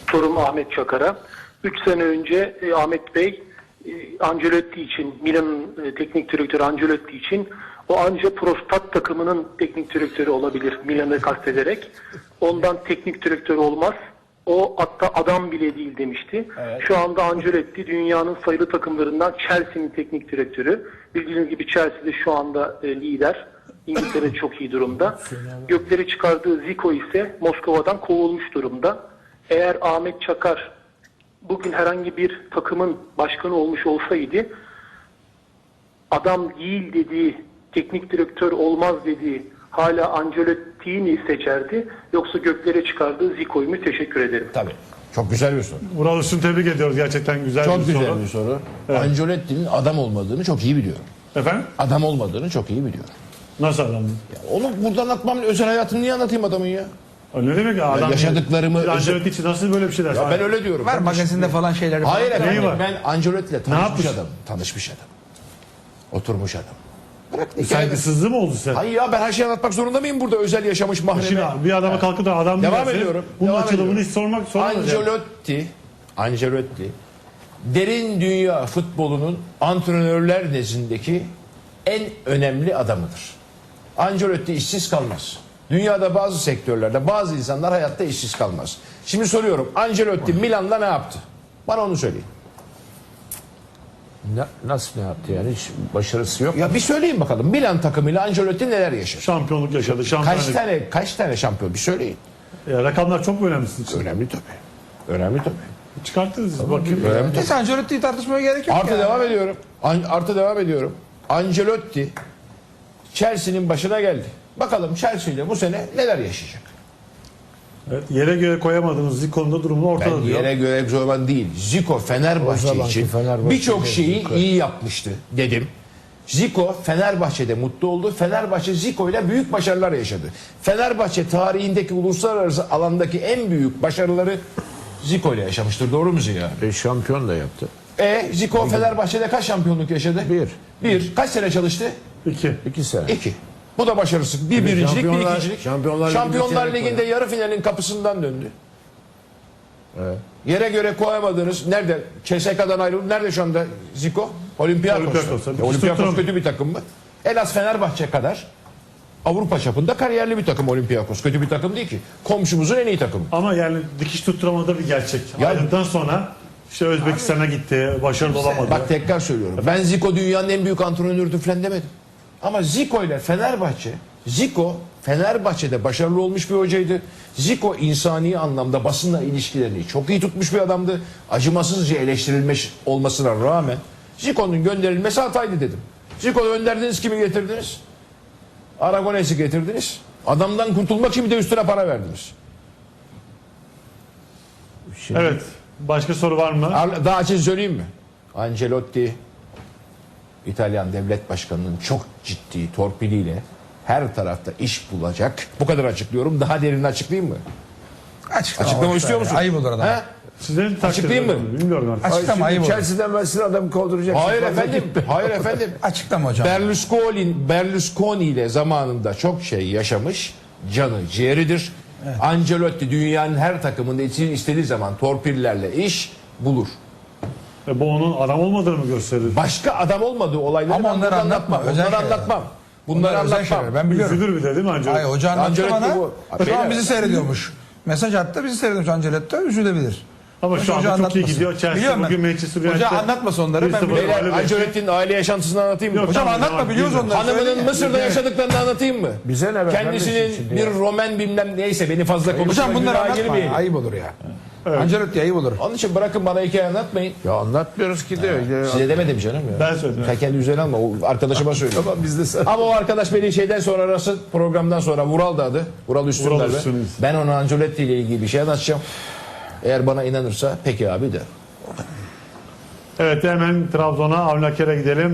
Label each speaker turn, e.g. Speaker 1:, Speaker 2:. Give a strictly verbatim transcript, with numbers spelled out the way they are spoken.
Speaker 1: sorum Ahmet Çakar'a. üç sene önce e, Ahmet Bey e, Ancelotti için, Milan'ın e, teknik direktörü Ancelotti için o anca prostat takımının teknik direktörü olabilir Milan'ı kastederek. Ondan teknik direktör olmaz. O hatta adam bile değil demişti.
Speaker 2: Evet.
Speaker 1: Şu anda Ancelotti dünyanın sayılı takımlarından Chelsea'nin teknik direktörü. Bildiğiniz gibi Chelsea de şu anda e, lider. İngiltere çok iyi durumda. Gökleri çıkardığı Zico ise Moskova'dan kovulmuş durumda. Eğer Ahmet Çakar bugün herhangi bir takımın başkanı olmuş olsaydı, adam değil dediği, teknik direktör olmaz dediği hala Ancelotti'yi mi seçerdi, yoksa göklere çıkardığı Zico'yu mu? Teşekkür ederim.
Speaker 2: Tabii. Çok güzel bir soru.
Speaker 3: Vural Üstün, tebrik ediyoruz. Gerçekten güzel
Speaker 2: Çok
Speaker 3: bir
Speaker 2: güzel
Speaker 3: soru.
Speaker 2: bir soru.
Speaker 3: Evet.
Speaker 2: Ancelotti'nin adam olmadığını çok iyi biliyorum.
Speaker 3: Efendim?
Speaker 2: Adam olmadığını çok iyi biliyorum.
Speaker 3: Nasıl adam?
Speaker 2: Ya onu burada anlatmam, özel hayatını niye anlatayım adamın ya?
Speaker 3: Ne demek ya? Adam
Speaker 2: yaşadıklarımı-
Speaker 3: Bir Ancelotti için nasıl böyle bir şey dersin?
Speaker 2: Ya ben öyle diyorum.
Speaker 4: Var magazinde falan şeyleri falan.
Speaker 2: Hayır efendim,
Speaker 3: Neyi var?
Speaker 2: ben Ancelotti ile
Speaker 3: Ne
Speaker 2: tanışmış
Speaker 3: yapmış?
Speaker 2: adam. Tanışmış adam. Oturmuş adam. Bırak hikaye-
Speaker 3: Saygısızlığı mı oldu sen?
Speaker 2: Hayır ya, ben her şeyi anlatmak zorunda mıyım burada, özel yaşamış mahreme?
Speaker 3: Şimdi bir adama kalkıp da adam
Speaker 2: Devam
Speaker 3: derse,
Speaker 2: ediyorum,
Speaker 3: bunun
Speaker 2: devam
Speaker 3: açılımını
Speaker 2: ediyorum.
Speaker 3: hiç sormak sormaz. yani.
Speaker 2: Ancelotti, Ancelotti derin dünya futbolunun antrenörler nezdindeki en önemli adamıdır. Ancelotti işsiz kalmaz. Dünyada bazı sektörlerde bazı insanlar hayatta işsiz kalmaz. Şimdi soruyorum, Ancelotti Milan'da ne yaptı? Bana onu söyleyin.
Speaker 5: Na- nasıl ne yaptı yani? Hiç başarısı yok.
Speaker 2: Ya bir söyleyin bakalım, Milan takımıyla Ancelotti neler yaşadı?
Speaker 3: Şampiyonluk yaşadı. Şampiyonluk.
Speaker 2: Kaç tane kaç tane şampiyon, bir söyleyin.
Speaker 3: Ya, rakamlar çok mu önemli sizin için?
Speaker 2: Önemli tabii. Önemli tabii.
Speaker 3: Çıkarttınız. Bakayım.
Speaker 2: Önemli tabii.
Speaker 4: Neyse Ancelotti'yi tartışmaya gerek yok
Speaker 2: Artı
Speaker 4: ya.
Speaker 2: devam ediyorum. An- artı devam ediyorum. Ancelotti Chelsea'nin başına geldi. Bakalım Chelsea ile bu sene neler yaşayacak?
Speaker 3: Evet, yere göre koyamadığınız Zico'nun da durumunu ortada
Speaker 2: Ben
Speaker 3: diyor.
Speaker 2: yere göre zaman değil. Zico
Speaker 5: O
Speaker 2: Fenerbahçe
Speaker 5: zamanki
Speaker 2: için
Speaker 5: Fenerbahçe
Speaker 2: birçok
Speaker 5: değil,
Speaker 2: şeyi
Speaker 5: Zico.
Speaker 2: iyi yapmıştı dedim. Zico Fenerbahçe'de mutlu oldu. Fenerbahçe Zico ile büyük başarılar yaşadı. Fenerbahçe tarihindeki uluslararası alandaki en büyük başarıları Zico ile yaşamıştır. Doğru mu Ziya?
Speaker 5: E, şampiyon da yaptı.
Speaker 2: E Zico Fenerbahçe'de kaç şampiyonluk yaşadı?
Speaker 5: Bir.
Speaker 2: Bir. Kaç sene çalıştı?
Speaker 3: İki.
Speaker 5: İki sene.
Speaker 2: İki. Bu da başarısı. Bir birincilik, bir
Speaker 5: Şampiyonlar-
Speaker 2: ikincilik.
Speaker 5: Şampiyonlar
Speaker 2: Şampiyonlar,
Speaker 5: Ligi'nde
Speaker 2: Ligi'nde yarı finalin kapısından döndü.
Speaker 5: Evet.
Speaker 2: Yere göre koyamadığınız, nerede? C S K'dan ayrıldı. Nerede şu anda Zico? Olympiakos'ta.
Speaker 3: Olympiakos'ta.
Speaker 2: Ya Olympiakos
Speaker 3: Tutturam-
Speaker 2: kötü bir takım mı? En az Fenerbahçe kadar Avrupa çapında kariyerli bir takım Olympiakos. Kötü bir takım değil ki. Komşumuzun en iyi takımı.
Speaker 3: Ama yani dikiş tutturamadı bir gerçek.
Speaker 2: Ya-
Speaker 3: Ayrıldıktan sonra işte Özbekistan'a gitti. Başarılı olamadı.
Speaker 2: Bak tekrar söylüyorum. Ben Zico dünyanın en büyük antrenörüdür falan demedim. Ama Zico ile Fenerbahçe, Zico Fenerbahçe'de başarılı olmuş bir hocaydı. Zico insani anlamda basınla ilişkilerini çok iyi tutmuş bir adamdı. Acımasızca eleştirilmiş olmasına rağmen Zico'nun gönderilmesi hataydı dedim. Zico'yu gönderdiniz, kimi getirdiniz? Aragones'i getirdiniz. Adamdan kurtulmak için bir de üstüne para verdiniz.
Speaker 5: Şimdi
Speaker 3: Evet. Başka soru var mı?
Speaker 2: Ar- Daha açık söyleyeyim mi? Ancelotti İtalyan devlet başkanının çok ciddi torpiliyle her tarafta iş bulacak. Bu kadar açıklıyorum. Daha derinini açıklayayım mı?
Speaker 4: Açıklama,
Speaker 2: Açıklama
Speaker 4: boş
Speaker 2: istiyor
Speaker 4: ver.
Speaker 2: musun?
Speaker 4: Ayıp olur adam.
Speaker 2: He?
Speaker 3: Sizlerin takdir
Speaker 2: Açıklayayım mı?
Speaker 3: ediyorum. Bilmiyorum artık.
Speaker 4: Açıklama ayıp olur.
Speaker 5: Chelsea'den versin adam kovduracak.
Speaker 2: Hayır efendim. Hayır efendim.
Speaker 4: Açıklama hocam.
Speaker 2: Berlusconi, Berlusconi ile zamanında çok şey yaşamış. Canı ciğeridir. Ancelotti dünyanın her takımında için istediği zaman torpillerle iş bulur.
Speaker 3: E, bu onun adam olmadığını mı gösterir?
Speaker 2: Başka adam olmadığı olayları
Speaker 4: Ama
Speaker 2: ben
Speaker 4: onları
Speaker 2: burada
Speaker 4: anlatma,
Speaker 2: anlatmam.
Speaker 4: özel
Speaker 2: Bunları
Speaker 4: şeyler.
Speaker 2: anlatmam. Bunları
Speaker 4: Bunlar özel
Speaker 2: anlatmam.
Speaker 4: şeyler. Ben biliyorum.
Speaker 3: Üzülür bir de değil mi Ancelotti?
Speaker 4: Hayır hoca anlattı
Speaker 2: Ancelotti
Speaker 4: bana.
Speaker 2: bu-
Speaker 4: Şu an
Speaker 2: Beyler-
Speaker 4: bizi seyrediyormuş. Mesaj attı, bizi seyrediyormuş Ancelotti. Üzülebilir.
Speaker 3: Ama şu
Speaker 4: Hoca
Speaker 3: anda çok iyi
Speaker 4: anlatmasın.
Speaker 3: gidiyor. Chelsea
Speaker 4: Biliyorum ben.
Speaker 3: bugün Manchester
Speaker 4: Hoca
Speaker 3: United'da
Speaker 4: anlatmasın onları,
Speaker 3: bir
Speaker 4: ben
Speaker 3: sıfır
Speaker 4: biliyorum.
Speaker 2: Beyler,
Speaker 3: mağlup etti.
Speaker 2: Ancelotti'nin aile yaşantısını anlatayım mı?
Speaker 3: Yok,
Speaker 4: Hocam
Speaker 3: tamam,
Speaker 4: anlatma,
Speaker 3: tamam,
Speaker 4: biliyoruz
Speaker 3: bilmiyorum.
Speaker 4: onları.
Speaker 2: Hanımının
Speaker 4: Söyleyin ya.
Speaker 2: Mısır'da yaşadıklarını anlatayım mı?
Speaker 5: Bize ne be kardeşim
Speaker 2: Kendisinin
Speaker 5: şimdi
Speaker 2: bir
Speaker 5: ya?
Speaker 2: Roman bilmem neyse, beni fazla konuşma.
Speaker 4: Hocam bunları
Speaker 2: günaha
Speaker 4: anlatma.
Speaker 2: girmeyin.
Speaker 4: Ayıp olur ya. Ancelotti ayıp olur.
Speaker 2: Onun için bırakın, bana hikaye anlatmayın.
Speaker 5: Ya anlatmıyoruz ki de. Ya.
Speaker 2: Size demedim canım ya.
Speaker 3: Ben söyledim.
Speaker 2: Sen kendi üzerine alma. O arkadaşıma söylüyorum.
Speaker 5: Tamam biz de sen.
Speaker 2: Ama o arkadaş beni şeyden sonra arası, programdan sonra Vural da adı. Vural Üstün
Speaker 3: Vural
Speaker 2: derdi.
Speaker 3: Üstün.
Speaker 2: Ben ona Ancelotti ile ilgili bir şey anlatacağım. Eğer bana inanırsa peki abi de.
Speaker 3: Evet, hemen Trabzon'a, Avni Aker'e gidelim.